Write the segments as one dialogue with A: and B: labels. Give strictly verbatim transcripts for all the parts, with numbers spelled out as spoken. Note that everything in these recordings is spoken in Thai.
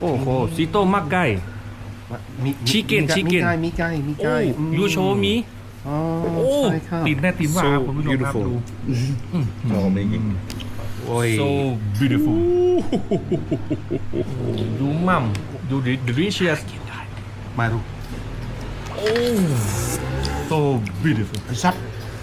A: โอ้โหซิโต้มักไก่ชิคเก้นชิคเก้น
B: มีไก่มีไก่
A: ยูโชมี
B: อ๋อ
A: โอ้
B: ใช่ครับ
A: ตีนแน่ตีนว่า
C: So
A: คุณผู้ชมครับ
C: beautiful
A: ดู
C: Oh, amazing.
A: โอ้ย so beautiful ดูมั่มดู delicious
B: มาดู
A: โอ้ so beautiful
B: ซัด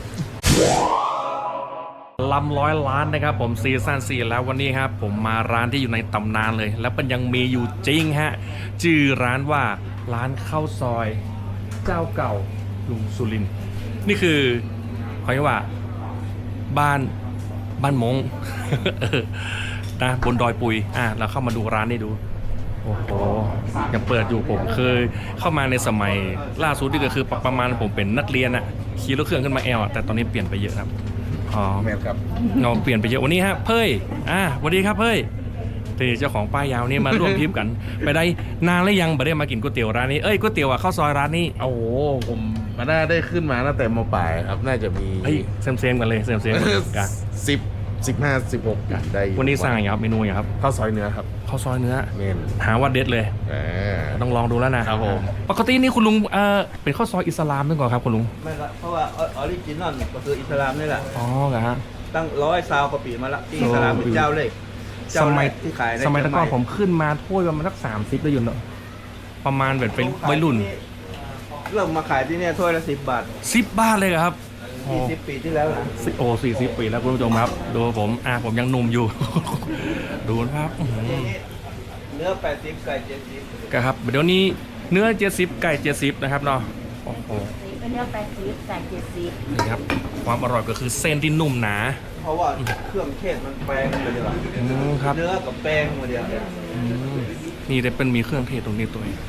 A: ลำร้อยล้านนะครับผมซีซั่นสี่แล้ววันนี้ครับผมมาร้านที่อยู่ในตำนานเลย แล้วมันยังมีอยู่จริงฮะชื่อร้านว่าร้านข้าวซอยเจ้าเก่าลุงสุรินทร์นี่คือเขาเรียกว่าบ้านบ้านมง นะบนดอยปุยอ่ะเราเข้ามาดูร้านนี้ดูโอ้โหยังเปิดอยู่ผมเคยเข้ามาในสมัยล่าสุดที่ก็คือประมาณผมเป็นนักเรียนอะขี่รถเครื่องขึ้นมาแอลอะแต่ตอนนี้เปลี่ยนไปเยอะครับอ๋อ
C: แมนครับ
A: เราเปลี่ยนไปเยอะวันนี้ฮะเพ่ยอ่าสวัสดีครับเพ่ยที่เจ้าของป้ายยาวนี่มาร่วมทริปกัน ไปได้นานแล้วยังไม่ได้มากินก๋วยเตี๋ยวร้านนี้เอ้ยก๋วยเตี๋ยวอะข้าวซอยร้านนี้
C: โอ้โหผมมาได้ได้ขึ้นมาตั้งแต่มปลายครับน่าจะมี
A: เฮ้ยเซมเซมๆกันเลยเซมเซมๆกัน
C: สิบสิบห้าสิบหกกันได้
A: วันนี้สั่งอย่างครับเมนูอย่างครับ
C: ข้าวซอยเนื้อครับ
A: ข้าวซอยเนื้อ
C: เมน
A: หาว่าเด็ดเลย
C: อ่า
A: ต้องลองดูแล้วนะครับ
C: ผม
A: ปกตินี่คุณลุงเออเป็นข้าวซอยอิสลามด้วยก่อนครับคุณลุง
D: ไม่ครับเพราะว่าออริจินอลก็คืออิสลามนี่แหละ
A: อ๋อเหรอฮะ
D: ตั้งร้อยซาวกว่าปีมาละที่อิสลามเป็นเจ้าเล็ก
A: ส
D: เจ้า
A: มั
D: แร
A: ย
D: กที่ขายใน
A: สมัยแตะก่อน
D: เชีงให
A: ผมขึ้นมาถ้วยประมาณสักสามสิบได้อยู่เนอะประมาณแบบเป็นวัยรุ่น
D: เริ่มมาขายที่เนี่ยถ้วยละสิบบาท
A: สิบบาทเลยเหรอครับ
D: ยี่สิบปีที่แล้วนะ
A: สิโอสี่สิบปีแล้วคุณผู้ชมครับดูผมอ่ะผมยังหนุ่มอยู่ ดูนะครับอื้อหือ
D: เนื้อแปดสิบไก่เจ็ดสิบ
A: ครับเดี๋ยวนี้เนื้อเจ็ดสิบไก่เจ็ดสิบนะครับเนาะโอ้โห
E: เป็นเนื้อแปดสิบไก่เจ็ดสิบ
A: นี่ครับความอร่อยก็คือเส้นที่นุ่มหนา
D: เพราะว่าเครื่องเทศมันแปลงมาเดียว
A: อืมครับ
D: เนื้อกับแป้งมาเดียว
A: อืมนี่ได้เป็นมีเครื่องเทศตรงนี้ตัวเอง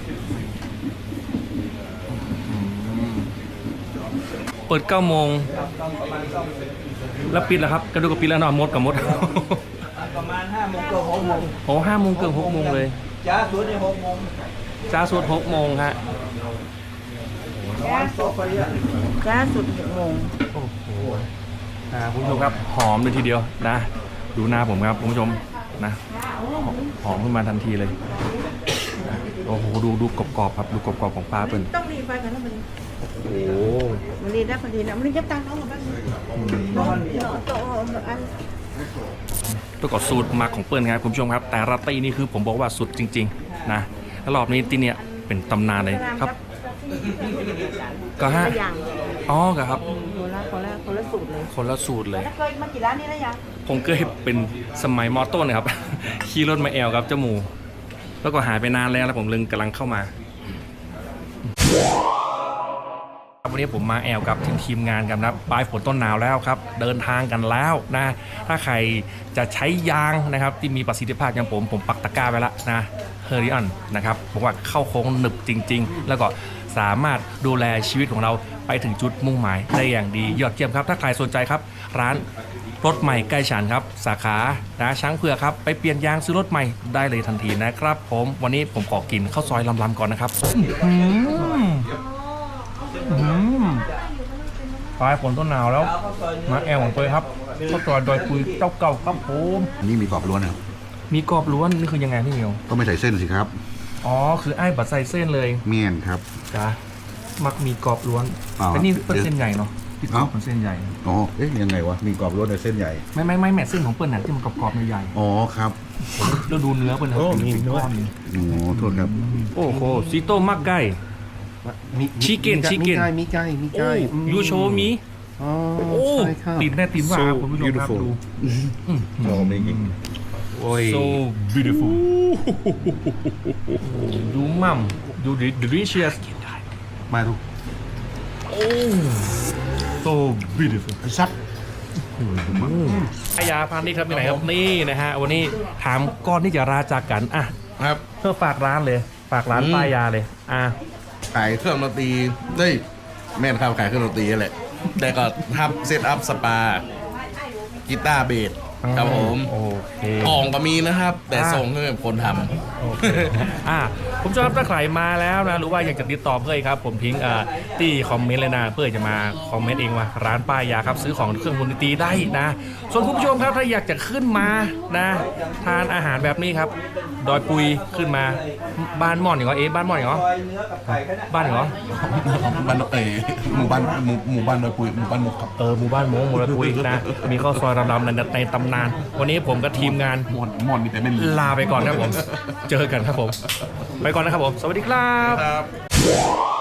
A: อืมเปิดเก้าโมง
D: ต้องประมาณต้อง
A: แล้วปิดแล้วครับกระดูกกับปิดแล้วเนาะมดกับมด
D: ประมาณห้าโมงเกือบหกโมง
A: โอ้ห้าโมงเกือบหกโมงเลย
D: จ้าสุดในหกโมง
A: จ้าสุดหกโมงฮะ
D: ร้อนโซฟาเยอะ
E: จ้าสุดหกโมง
A: โอ้โหอ่าคุณผู้ชมครับหอมเลยทีเดียวนะ ดูหน้าผมครับคุณผู้ชมนะหอมขึ้นมาทันทีเลยนะโอ้โหดูดูกรอบๆครับดูกรอบๆของปลาเป็น
E: ต้องรีบไปกันแล้วมัน
A: โอ้โห
E: มันรีบได้พอดีนะมันรีบจับตังค์เขาหมดบ้างน้องโตอัน
A: ประกอบสูตรหมักของเปิ้ลครับคุณผู้ชมครับ แต่ราตรีนี่คือผมบอกว่าสุดจริงๆนะแล้วรอบนี้ที่เนี่ยเป็นตำนานเลยครับ ก็ฮะ
E: อย่าง
A: อ๋อครับ
E: คนละคนละคนละสูตรเลย
A: คนละสูตรเลย
E: แล้วเคยมากี่ร้านนี้แล้วยัง
A: ผมเคยเป็นสมัยมอต้นนะครับ ขี่รถมาแอลครับเจ้าหมูแล้วก็หายไปนานแล้วแล้วผมลึงกำลังเข้ามาวันนี้ผมมาแอลกับทีมทีมงานกันนะปลายฝนต้นหนาวแล้วครับเดินทางกันแล้วนะถ้าใครจะใช้ยางนะครับที่มีประสิทธิภาพอย่างผมผมปักตะกร้าไว้แล้วนะเฮอริออนนะครับบอกว่าเข้าโค้งหนึบจริงๆแล้วก็สามารถดูแลชีวิตของเราไปถึงจุดมุ่งหมายได้อย่างดียอดเยี่ยมครับถ้าใครสนใจครับร้านรถใหม่ใกล้ฉันครับสาขานะช้างเผือกครับไปเปลี่ยนยางซื้อรถใหม่ได้เลยทันทีนะครับผมวันนี้ผมขอกินข้าวซอยลำๆก่อนนะครับอืมอืมปลายฝนต้นหนาวแล้วมาแอลของตัวครับข้าวซอยดอยปุยเจ้าเก่าครับผม
B: อันนี้มีกรอบล้วนนะครับ
A: มีกรอบล้วนนี่คือยังไงพี่เหมียว
B: ก็ไม่ใส่เส้นสิครับ
A: อ๋อคือไอ้บัดใส่เส้นเลย
B: เมี่ยนครับ
A: จ้ะมักมีกรอบล้วน
B: อ๋อ
A: แต่นี่เป็นเส้นใหญ่เนาะพี่กรอบเป็นเส้นใหญ่
B: อ๋อเอ๊ยยังไงวะมีกรอบล้วนในเส้นใหญ่
A: ไม่ไม่ไม่แม่เส้นของเปิ้ลน่ะที่มันกรอบๆใหญ่
B: อ๋อครับ
A: ๆแล้วดูเนื้อเปิ้ลนะเป็นเป็นก้อนเลย
B: โอ้โทษครับ
A: โอ้โหซิโต้มักไก่ ชิคเก้นชิคเก้น
B: มีไก่มีไก่
A: โอ้ยูโชมี
B: อ๋อ
A: โอ้
B: ใช่ครับ
A: ตีนแน่ตีนว่า
C: So
A: คุณผู้ชมครับ
C: beautiful
A: ดู
C: Oh, amazing.
A: โอ้ย so beautiful ดูมั่มดู delicious
B: มาดู
A: โอ้ so beautiful
B: ซัด
A: พยาพาณิชย์ครับที่ไหนครับนี่นะฮะวันนี้ถามก้อนที่จะราจากกันอ่ะ
C: ครับ
A: เพื่อฝากร้านเลย ฝากร้าน
C: อืม
A: ป้ายยาเลยอ่ะ
C: ขายเครื่องดนตรีเฮ้ยแม่นครับขายเครื่องดนตรีนั่นแหละแต่ก็ทับเซตอัพสปากีตาร์เบสครับผม
A: โอเค
C: กล่องก็มีนะครับ แต่
A: อ่า
C: ส่งให้คนทำ
A: โอเคอ่าผมชอบถ้าใครมาแล้วนะหรือว่าอยากจะติดต่อเพื่อนครับ ผมทิ้งอ่าที่คอมเมนต์เลยนะเพื่อจะมาคอมเมนต์เองว่าร้านป้ายยาครับซื้อของเครื่องดนตรีได้นะ ส่วนคุณผู้ชมครับถ้าอยากจะขึ้นมานะทานอาหารแบบนี้ครับ ดอยปุยขึ้นมาบ้านม่อนอย่างเหรอเอ๊ะบ้านม่อนอย่างเหรอ
D: ซอยเนื้อกับไก่แค่นั้น
A: บ้านอย่างเหรอ
C: บ้านเอ๋หมู่บ้านหมู่หมู่บ้านโดยปุยหมู่บ้านมุกครับ
A: เออหมู่บ้านโมงโมระปุยนะมีข้าวซอยรำๆในในตำนาน วันนี้ผมกับทีมงาน
C: หมอนหมอนมีแต่ไม่มี
A: ลาไปก่อนครับผม เจอกันครับผม ไปก่อนนะครับผม สวัสดีครับ
C: ครับ